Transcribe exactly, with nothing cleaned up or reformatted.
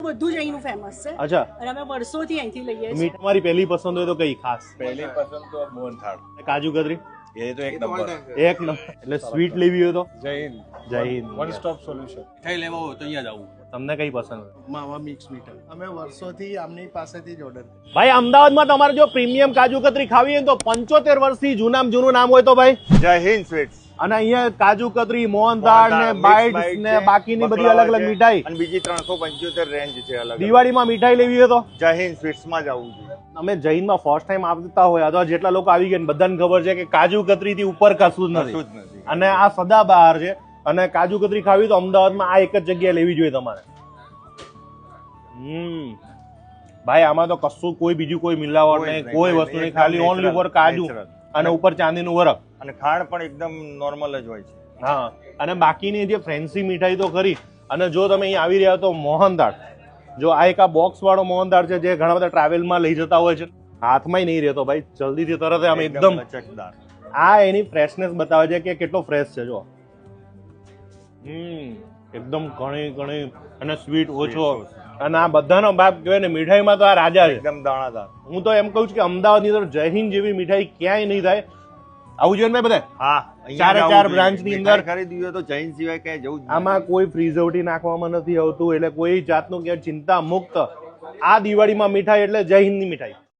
બધું જ અહીંનું ફેમસ છે. અચ્છા. અને અમે વર્ષોથી અહીંથી લઈએ છીએ. મીઠ તમારી પહેલી પસંદ હોય તો કઈ ખાસ? પહેલી પસંદ તો મોહનથાળ. કાજુ કતરી એ તો એક નંબર. એક નંબર. એટલે સ્વીટ લેવી હોય તો જય હિન્દ. જય હિન્દ. One stop solution. મીઠાઈ લેવા હોય તો અહીંયા જવું. તમને કઈ પસંદ હોય? માવા મિક્સ મીઠાઈ અમે વર્ષોથી આમની પાસેથી જ ઓર્ડર. ભાઈ અમદાવાદમાં તમારે જો પ્રીમિયમ કાજુ કતરી ખાવી હોય તો પંચોતેર વર્ષથી જૂનામાં જૂનું નામ હોય તો ભાઈ જય હિન્દ સ્વીટ્સ. અને અહીંયા કાજુ કતરી, મોહનથાળ ને બાઇટ્સ ને બાકીની બધી અલગ અલગ મીઠાઈ. અને બીજી ત્રણસો પંચોતેર રેન્જ છે અલગ. દિવાળીમાં મીઠાઈ લેવી હોય તો જય હિન્દ સ્વીટ્સ માં જવું જોઈએ. અમે જૈનમાં ફર્સ્ટ ટાઈમ આવતા હોય અથવા જેટલા લોકો આવી ગયા બધાને ખબર છે કે કાજુ કતરી થી ઉપર કશું જ કશું જ નથી. નથી. અને આ સદાબહાર છે. અને કાજુ કતરી ખાવી તો અમદાવાદમાં આ એક જ જગ્યાએ લેવી જોઈએ તમારે. હમ ભાઈ આમાં તો કશું કોઈ બીજું કોઈ મિલાવટ નહીં, કોઈ વસ્તુ નહીં, ખાલી ઓનલી ફોર કાજુ અને ઉપર ચાંદીનું વરખ. અને ખાંડ પણ એકદમ નોર્મલ જ હોય છે. હા અને બાકીની જે ફેન્સી મીઠાઈ તો ખરી. અને જો તમે અહીં આવી રહ્યા તો મોહનથાળ, જો આ એક આ બોક્સ વાળો મોહનથાળ છે જે ઘણા બધા ટ્રાવેલમાં લઈ જતા હોય છે, હાથમાં નહીં રહેતો ભાઈ, જલ્દીથી તરત આમ એકદમ ચકદાર. આ એની ફ્રેશનેસ બતાવે છે કે કેટલો ફ્રેશ છે. જો હમ એકદમ ઘણી ઘણી અને સ્વીટ ઓછો. અને આ બધાનો બાપ કહેવાય ને મીઠાઈમાં તો આ રાજા છે, એકદમ દાણાદાર. હું તો એમ કહું છું કે અમદાવાદની અંદર જય હિન્દ જેવી મીઠાઈ ક્યાંય નહીં થાય. આવું જોઈએ ને બધા. હા ચારે ચાર બ્રાન્ચ ની અંદર ખરીદી હોય તો જૈન સિવાય કઈ જવું જ આમાં કોઈ પ્રિઝર્વેટિવ નાખવામાં નથી આવતું, એટલે કોઈ જાતનું કે ચિંતા મુક્ત આ દિવાળીમાં મીઠાઈ એટલે જય હિન્દની મીઠાઈ.